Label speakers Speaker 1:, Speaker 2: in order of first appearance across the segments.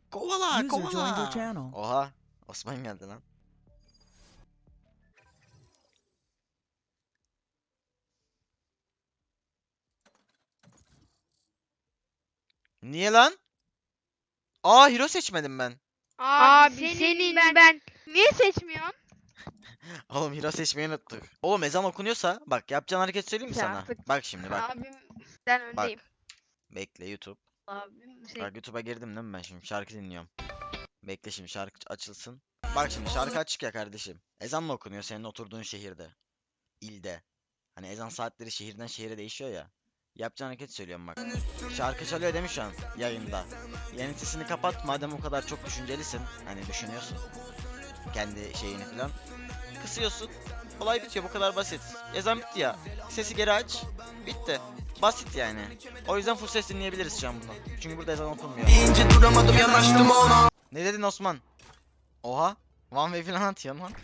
Speaker 1: Kovala
Speaker 2: User joined your
Speaker 1: kovala.
Speaker 2: channel.
Speaker 1: Oha. Osman geldi lan. Niye lan? Aa hero seçmedim ben.
Speaker 3: Abi senin ben niye seçmiyorsun?
Speaker 1: Oğlum hero seçmeyi unuttuk. Oğlum ezan okunuyorsa bak yapacağın hareket söyleyeyim mi
Speaker 3: Ya
Speaker 1: sana?
Speaker 3: artık-
Speaker 1: Bak şimdi bak.
Speaker 3: Abim sen
Speaker 1: Bak.
Speaker 3: öndeyim.
Speaker 1: Bekle YouTube.
Speaker 3: Abim
Speaker 1: Bak YouTube'a girdim değil mi ben şimdi şarkı dinliyorum. Bekle şimdi şarkı açılsın. Bak şimdi şarkı açık ya kardeşim. Ezan mı okunuyor senin oturduğun şehirde? İlde. Hani ezan saatleri şehirden şehire değişiyor ya. Yapacağın hareket söylüyorum bak. Şarkı çalıyor demiş şu an yayında. Yayın sesini kapat madem o kadar çok düşüncelisin. Hani düşünüyorsun. Kendi şeyini falan. Kısıyorsun. Olay bitiyor bu kadar basit. Ezan bitti ya. Sesi geri aç. Bitti. Basit yani. O yüzden full ses dinleyebiliriz şu an bunu. Çünkü burada ezan okunmuyor. Ne dedin Osman? Oha. One way falan atıyorsun lan.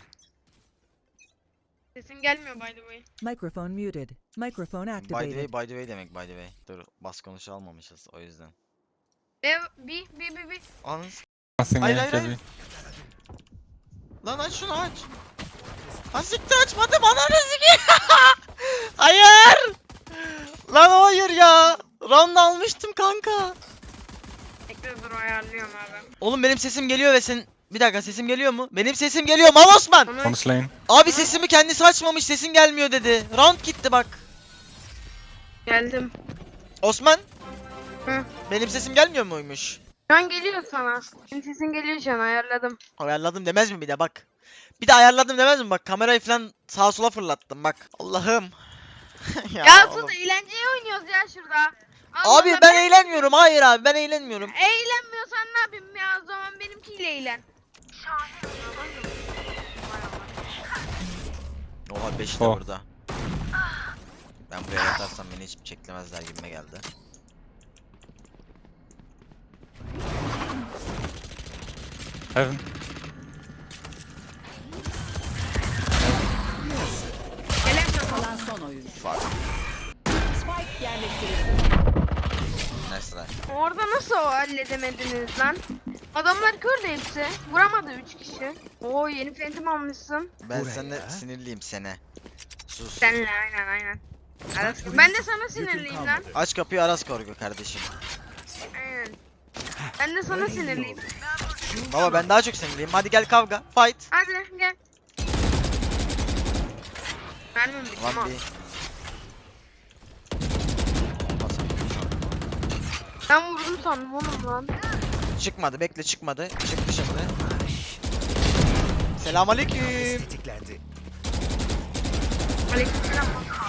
Speaker 3: Sesin gelmiyor by the way.
Speaker 2: Microphone muted. Microphone
Speaker 1: By the way,
Speaker 2: activated.
Speaker 1: by the way demek by the way. Dur bas konuşu almamışız o yüzden.
Speaker 3: Bir.
Speaker 1: Anın
Speaker 4: Nothing
Speaker 1: Hayır,
Speaker 4: A,
Speaker 1: hayır,
Speaker 4: can
Speaker 1: hayır.
Speaker 4: be.
Speaker 1: Lan aç şunu aç. Ha siktir açmadım ananı sikeyim. Hayır. Lan hayır ya. Round almıştım kanka.
Speaker 3: Bekle dur ayarlıyorum abi.
Speaker 1: Oğlum benim sesim geliyor ve sen... Bir dakika sesim geliyor mu? Benim sesim geliyor mal Osman.
Speaker 3: Onu
Speaker 4: One lane.
Speaker 1: Abi sesimi kendisi açmamış sesin gelmiyor dedi. Round gitti bak.
Speaker 3: geldim.
Speaker 1: Osman.
Speaker 3: Hı.
Speaker 1: Benim sesim gelmiyor muymuş?
Speaker 3: Şu an geliyor sana. Senin sesin geliyor şu an ayarladım.
Speaker 1: Ayarladım demez mi bir de bak. Bir de ayarladım demez mi bak kamerayı falan sağa sola fırlattım bak. Allah'ım.
Speaker 3: Ya
Speaker 1: oğlum.
Speaker 3: sus eğlenceye oynuyoruz ya şurada. Allah
Speaker 1: Abi
Speaker 3: Allah,
Speaker 1: ben eğlenmiyorum. Hayır abi ben eğlenmiyorum.
Speaker 3: Eğlenmiyorsan ne yapayım ya o zaman benimkiyle eğlen.
Speaker 1: Oha 5 de
Speaker 4: Oh.
Speaker 1: burada. Ben buraya yatarsam beni hiç çeklemezler gibime geldi.
Speaker 4: Heaven.
Speaker 3: Gelemiyorum.
Speaker 2: Kalan son oyuncu.
Speaker 1: Fuck.
Speaker 2: Spike yerleştirildi.
Speaker 1: Nice try.
Speaker 3: Orada nasıl o halledemediniz lan? Adamlar kör de hepsi. Vuramadı 3 kişi. Oo yeni phantom almışsın.
Speaker 1: Ben seninle sinirliyim sene. Sus.
Speaker 3: Senle aynen. Ben de sana sinirliyim lan.
Speaker 1: Aç kapıyı Aras Korgu kardeşim.
Speaker 3: Aynen. Ben de sana sinirliyim.
Speaker 1: Baba ben daha çok sinirliyim. Hadi gel kavga. Fight.
Speaker 3: Hadi gel. Mermim bitti ama.
Speaker 1: One B.
Speaker 3: Ben vurdum sandım oğlum lan.
Speaker 1: Çıkmadı bekle çıkmadı. Çıktı şimdi. Selamünaleyküm.
Speaker 3: Aleykümselam.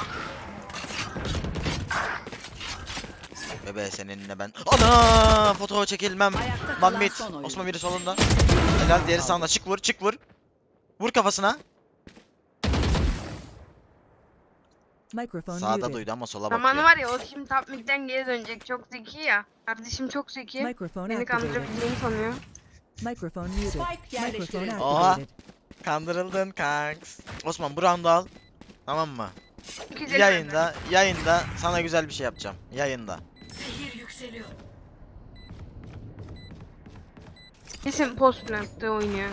Speaker 1: Bebe seninle ben. Ana foto çekilmem.
Speaker 2: Ayakta
Speaker 1: One
Speaker 2: kalan
Speaker 1: mid.
Speaker 2: son oyuncu.
Speaker 1: Osman biri solunda. Helal diğeri sağında. Çık vur çık vur. Vur kafasına.
Speaker 2: Microphone
Speaker 1: Sağda
Speaker 2: muted.
Speaker 1: duydu ama sola
Speaker 3: Aman
Speaker 1: bakıyor.
Speaker 3: var ya o şimdi top midden geri dönecek. Çok zeki ya. Kardeşim çok zeki.
Speaker 2: Microphone
Speaker 3: Beni
Speaker 2: activated.
Speaker 3: kandırabildiğini sanıyor.
Speaker 2: Microphone muted. Microphone
Speaker 1: Oha.
Speaker 2: activated.
Speaker 1: Kandırıldın kanks. Osman bu roundu al. Tamam mı?
Speaker 3: Güzel
Speaker 1: Yayında sana güzel bir şey yapacağım. Yayında.
Speaker 3: Kesin post plank'te oynuyor.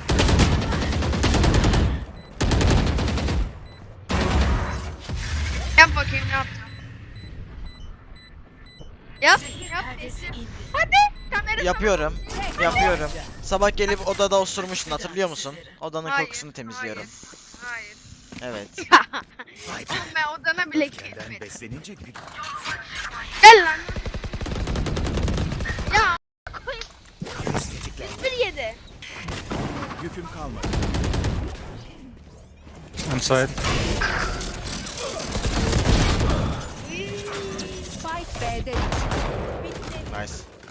Speaker 3: Yap bakayım ne yapacağım. Yap. Hadi. Kamera
Speaker 1: Yapıyorum. Yapıyorum. Sabah gelip odada osurmuştun hatırlıyor musun? Odanın
Speaker 3: Hayır,
Speaker 1: kokusunu temizliyorum.
Speaker 3: Hayır.
Speaker 1: Evet.
Speaker 3: Oğlum ben odana bile gitmedim.
Speaker 5: Beslenince gül.
Speaker 3: Gel lan. Ya. koyayım.
Speaker 5: Kafes tetiklendi.
Speaker 3: Bir yedi.
Speaker 5: Yüküm kalmadı.
Speaker 4: On side.
Speaker 2: Spike B'de.
Speaker 1: Nice.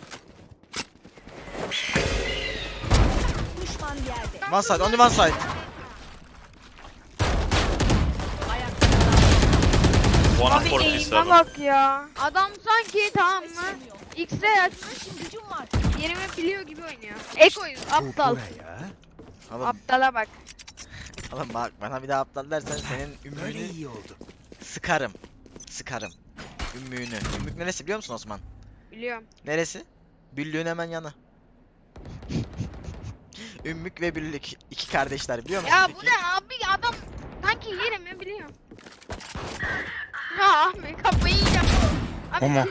Speaker 2: Düşman yerde.
Speaker 1: One side, only one side.
Speaker 2: Ayakta kalan
Speaker 3: Abi eğime bak ya. Adam sanki tamam mı? X'e açmış.
Speaker 2: gücüm var.
Speaker 3: Yerimi biliyor gibi oynuyor. Ekoyuz aptal.
Speaker 5: Buraya.
Speaker 1: Oğlum,
Speaker 3: Aptala bak.
Speaker 1: oğlum bak bana bir daha aptal dersen senin
Speaker 5: Böyle
Speaker 1: ümmüğünü
Speaker 5: iyi oldu.
Speaker 1: sıkarım. Sıkarım. Ümmüğünü. Ümmük neresi biliyor musun Osman?
Speaker 3: Biliyorum.
Speaker 1: Neresi? Büllüğün hemen yanı. Ümmük ve Büllük. İki kardeşler biliyor musun?
Speaker 3: Ya
Speaker 1: peki?
Speaker 3: bu ne abi adam sanki yerimi biliyor. Ya abi kafayı yiyeceğim. Abi,
Speaker 4: Ama.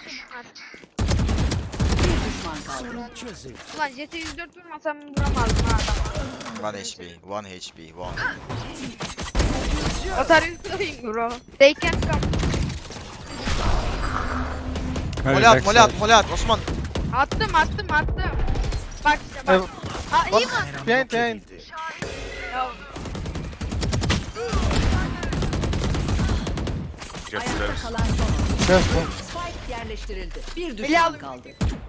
Speaker 2: Bir düşman kaldı.
Speaker 5: Sorun çözüldü.
Speaker 3: Ulan JT 104 vurmasam vuramazdım ha adamı.
Speaker 1: 1 HP, 1 HP, 1.
Speaker 3: What are you doing bro? They can't come.
Speaker 4: Maybe
Speaker 1: Mole at,
Speaker 4: backside.
Speaker 1: mole at, mole at. Osman.
Speaker 3: Attım. Bak işte bak. Aa iyi mi?
Speaker 5: Behind, behind.
Speaker 3: Ya,
Speaker 2: Ayakta kalan son.
Speaker 4: Just one.
Speaker 2: Spike yerleştirildi. Bir
Speaker 3: Bile
Speaker 2: düşman
Speaker 3: alın.
Speaker 2: kaldı.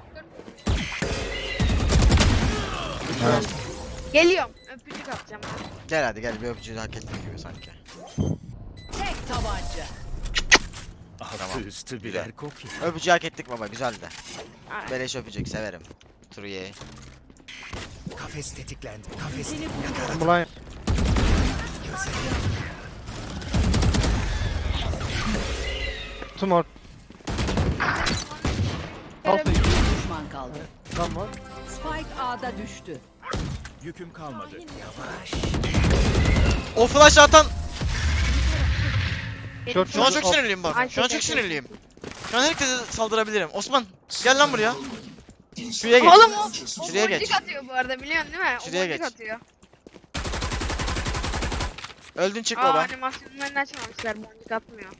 Speaker 4: Nice.
Speaker 3: geliyorum. Öpücük atacağım.
Speaker 1: Gel hadi gel bir öpücüğü hak ettiğin gibi sanki.
Speaker 2: Tek tabanca.
Speaker 1: Tamam.
Speaker 5: Altı üstü birer kopya.
Speaker 1: Öpücüğü hak ettik baba güzeldi.
Speaker 3: Aynen.
Speaker 1: Beleş öpücük severim. Truye.
Speaker 5: Kafes tetiklendi. Kafes
Speaker 2: Seni
Speaker 5: yakaladı.
Speaker 4: Blind. Two more.
Speaker 2: Bir düşman kaldı.
Speaker 4: One more.
Speaker 2: Spike A'da düştü.
Speaker 5: Yüküm kalmadı. Yavaş.
Speaker 1: O flash atan.
Speaker 4: Short,
Speaker 1: Şu an
Speaker 4: short.
Speaker 1: çok sinirliyim bak.
Speaker 3: Ay,
Speaker 1: Şu an
Speaker 3: çok
Speaker 1: çok sinirliyim. Şu an herkese saldırabilirim. Osman gel lan buraya. Şuraya geç.
Speaker 3: Oğlum o
Speaker 1: Şuraya geç.
Speaker 3: boncuk atıyor bu arada biliyorsun değil mi?
Speaker 1: Şuraya
Speaker 3: o boncuk
Speaker 1: geç.
Speaker 3: atıyor.
Speaker 1: Öldün çık
Speaker 3: Aa
Speaker 1: baba.
Speaker 3: animasyonlarını açmamışlar boncuk atmıyor.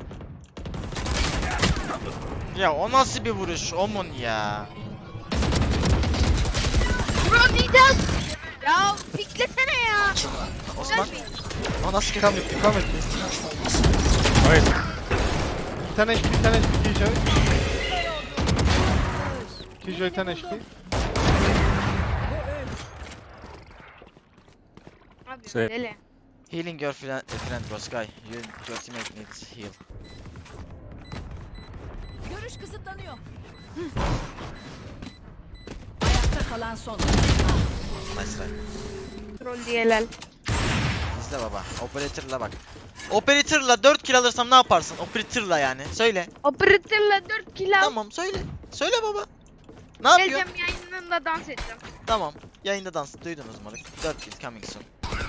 Speaker 1: Ya o nasıl bir vuruş Omon ya.
Speaker 3: Bro diyeceğiz. Ya piklesene ya.
Speaker 1: Osman. O nasıl
Speaker 4: Come
Speaker 1: kötü?
Speaker 4: with, come with me. Wait. 10 HP, 10 HP, Killjoy. Killjoy 10 HP.
Speaker 3: Abi
Speaker 4: Şey-
Speaker 3: deli.
Speaker 1: Healing your friend bro Sky. Your teammate needs heal.
Speaker 2: Görüş kısıtlanıyor. Ayakta kalan son.
Speaker 1: Nice try.
Speaker 3: Troll diyelel.
Speaker 1: İzle baba. Operator'la bak. Operator'la 4 kill alırsam ne yaparsın? Operator'la yani. Söyle.
Speaker 3: Operatörle 4 kill al.
Speaker 1: Tamam söyle. Söyle baba. Ne yapıyor?
Speaker 3: Geleceğim yayınında dans edeceğim.
Speaker 1: Tamam. Yayında dans. Duydunuz moruk. 4 kill coming soon.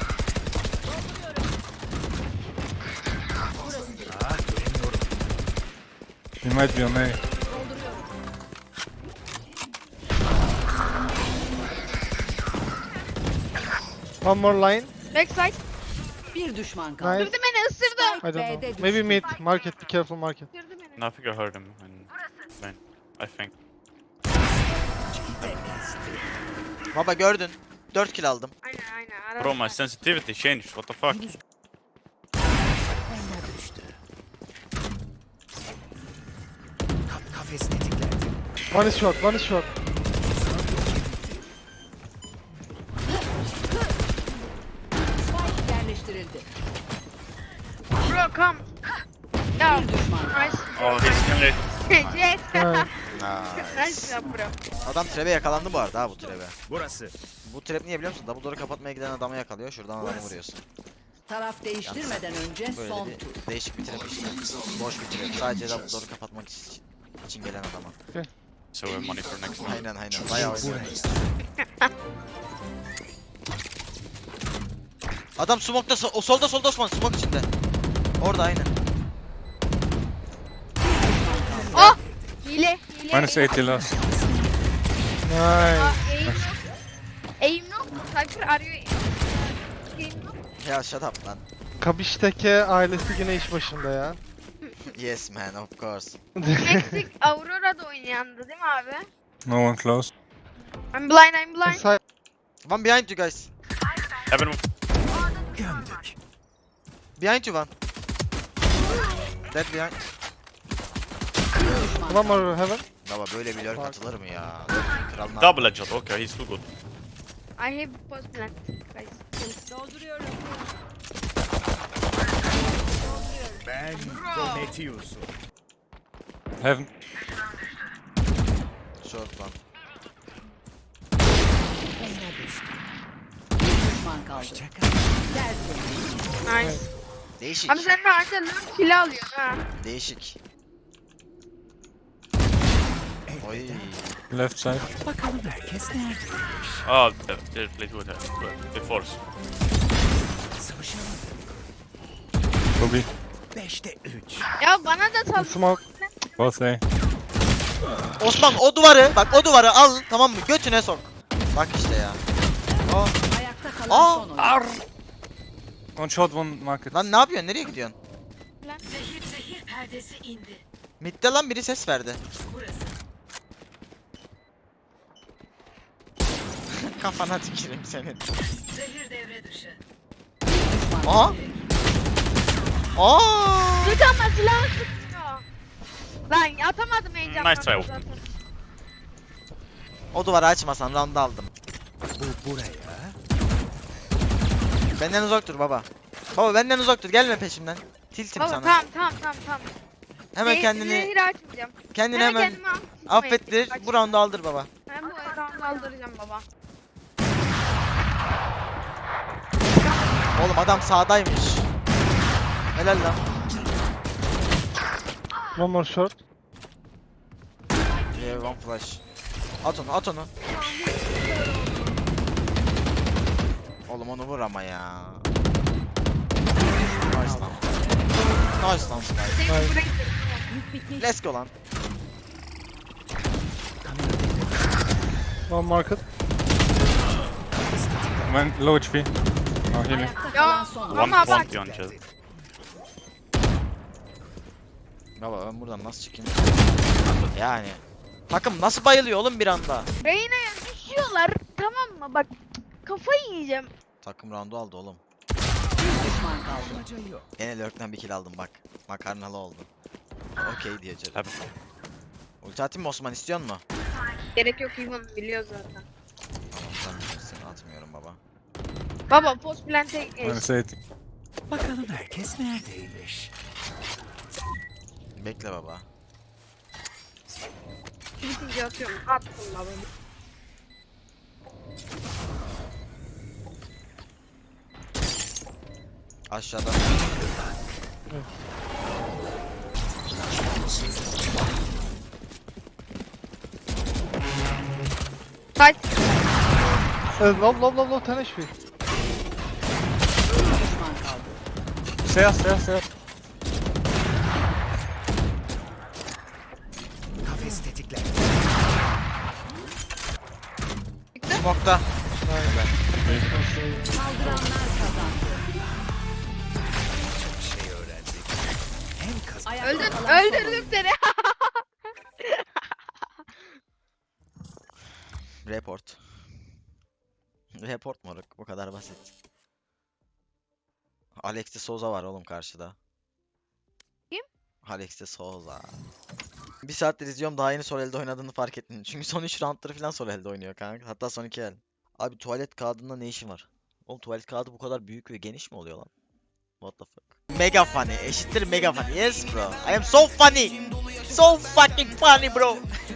Speaker 5: Ah göremiyorum.
Speaker 4: He might be on A. One more line.
Speaker 3: Backside.
Speaker 2: Bir düşman kaldı.
Speaker 4: Nice.
Speaker 3: Isırdı beni ısırdı.
Speaker 4: I don't
Speaker 2: B'de
Speaker 4: know.
Speaker 2: düştü.
Speaker 4: Maybe mid. Market. Be careful market.
Speaker 3: Isırdı beni.
Speaker 6: No, I think I heard him in main. I think.
Speaker 1: Baba gördün. 4 kill aldım.
Speaker 3: Aynen. Arada
Speaker 6: Bro, my sensitivity changed. What the fuck?
Speaker 5: Kafes tetiklendi.
Speaker 4: One is short, one is short.
Speaker 2: Spike yerleştirildi.
Speaker 3: Bro come. Ya
Speaker 2: Bir düşman kaldı.
Speaker 3: nice.
Speaker 6: Oh, he's nearly.
Speaker 3: Yes.
Speaker 1: Nice.
Speaker 3: Nice ya bro.
Speaker 1: Adam trap'e yakalandı bu arada ha bu trap'e.
Speaker 5: Burası.
Speaker 1: Bu trap niye biliyor musun? Double door'u kapatmaya giden adamı yakalıyor. Şuradan adamı vuruyorsun.
Speaker 2: Taraf değiştirmeden önce
Speaker 1: Böyle
Speaker 2: son
Speaker 1: bir
Speaker 2: tur.
Speaker 1: değişik bir trap işte. Boş bir trap. Sadece double door'u kapatmak için gelen adama.
Speaker 6: So we have money for next one.
Speaker 1: Aynen. Bayağı oynuyor.
Speaker 5: Buraya.
Speaker 1: Adam smoke'da o solda Osman smoke içinde. Orada aynen.
Speaker 3: Oh! Hile.
Speaker 4: Minus 80 last. Nice.
Speaker 3: Aa, aim yok. Aim yok. Cypher arıyor. Aim yok.
Speaker 1: Ya shut up lan.
Speaker 4: Kabiş'teki ailesi yine iş başında ya.
Speaker 1: Yes man of course.
Speaker 3: Meksik Aurora'da oynayandı değil mi abi?
Speaker 4: No one close.
Speaker 3: I'm blind.
Speaker 4: Inside.
Speaker 1: One behind you guys.
Speaker 6: Heaven.
Speaker 5: Gömdük.
Speaker 1: Behind you one. Dead behind.
Speaker 2: Bir düşman
Speaker 4: One more heaven.
Speaker 1: Baba böyle bir lurk atılır mı ya? Kralına.
Speaker 6: Double headshot. Okay, he's too good.
Speaker 3: I have post plant. Guys.
Speaker 2: dolduruyorum.
Speaker 5: Ben Prometheus'um.
Speaker 4: Heaven.
Speaker 1: Short one.
Speaker 2: Bir düşman kaldı.
Speaker 5: Hoşçakal.
Speaker 2: Tertemiz.
Speaker 3: Nice.
Speaker 1: Değişik.
Speaker 3: Abi sen de anca lurk kill alıyorsun ha.
Speaker 1: Değişik. Oy.
Speaker 7: Left side.
Speaker 5: Bakalım herkes nerede?
Speaker 6: Oh, they play two attack. They force.
Speaker 5: Savaşalım.
Speaker 7: Kobe.
Speaker 5: 5'te 3.
Speaker 3: Ya bana da sal.
Speaker 4: Smoke.
Speaker 7: Both A.
Speaker 1: Osman o duvarı bak o duvarı al tamam mı götüne sok. Bak işte ya.
Speaker 2: Ayakta kalan
Speaker 1: Aa,
Speaker 2: son oyuncu.
Speaker 7: One shot, one market.
Speaker 1: Lan ne yapıyorsun nereye gidiyorsun?
Speaker 2: Zehir perdesi indi.
Speaker 1: Mid'de lan biri ses verdi.
Speaker 2: Burası.
Speaker 1: Kafana tüküreyim senin.
Speaker 2: Zehir devre dışı.
Speaker 1: Aha. Aa.
Speaker 3: Sık ama silah sıkmıyor. Lan atamadım heyecandan.
Speaker 6: Nice try.
Speaker 3: zaten.
Speaker 1: O duvarı açmasan round'u aldım.
Speaker 5: Bu buraya.
Speaker 1: Benden uzak dur baba. Baba benden uzak dur gelme peşimden. Tiltim
Speaker 3: Baba
Speaker 1: sana.
Speaker 3: tamam.
Speaker 1: Hemen kendini
Speaker 3: Zehir açmayacağım.
Speaker 1: kendini hemen
Speaker 3: kendimi
Speaker 1: affettir. Bu round'u aldır baba.
Speaker 3: Ben bu roundu aldıracağım baba.
Speaker 1: Oğlum adam sağdaymış. Helal lan.
Speaker 4: One more short.
Speaker 1: Yeah, one flash. At onu. Oğlum onu vur ama ya. Nice lan. Nice lan Sky.
Speaker 3: Zehir burayı
Speaker 1: Let's go lan.
Speaker 4: One market.
Speaker 7: Man, low HP. Oh, healing.
Speaker 2: Ayakta kalan
Speaker 3: Ya
Speaker 2: son
Speaker 6: One
Speaker 2: oyuncu.
Speaker 3: ama bak.
Speaker 6: beyond chest.
Speaker 1: Baba ben buradan nasıl çıkayım? Yani. Takım nasıl bayılıyor oğlum bir anda?
Speaker 3: Reyna'ya düşüyorlar tamam mı? Bak kafayı yiyeceğim.
Speaker 1: Takım round'u aldı oğlum.
Speaker 2: Bir düşman kaldı.
Speaker 5: Amaca yok.
Speaker 1: Gene lurk'ten bir kill aldım bak. Makarnalı oldu. Okey diye canım.
Speaker 6: Heaven.
Speaker 1: Ulti atayım mı Osman istiyor mu?
Speaker 3: Gerek yok Ivan biliyor zaten.
Speaker 1: Tamam sen bilirsin atmıyorum baba.
Speaker 3: Baba post plant'e geç.
Speaker 7: Minus 80.
Speaker 5: Bakalım herkes neredeymiş?
Speaker 1: Bekle baba.
Speaker 3: Bitince atıyorum. Attım baba.
Speaker 1: Aşağıda.
Speaker 3: Kaç.
Speaker 4: Low 10 HP.
Speaker 2: Bir düşman kaldı.
Speaker 7: Stairs.
Speaker 5: Kafes tetiklendi.
Speaker 1: Smoke'da.
Speaker 2: Saldıranlar kazandı.
Speaker 5: Çok şey öğrendik. Hem kazan.
Speaker 2: Ayakta kalan son
Speaker 3: Öldürdüm
Speaker 2: oyuncu.
Speaker 3: seni.
Speaker 1: Report. Report moruk. Bu kadar basit. Alex de Souza var oğlum karşıda.
Speaker 3: Kim?
Speaker 1: Alex de Souza. Bir saattir izliyorum daha yeni sol elde oynadığını fark ettim. Çünkü son 3 roundları falan sol elde oynuyor kanka. Hatta son 2 el. Abi tuvalet kağıdında ne işin var? Oğlum tuvalet kağıdı bu kadar büyük ve geniş mi oluyor lan? What the fuck? Mega funny. Eşittir mega funny. Yes bro. I am so funny. So fucking funny bro.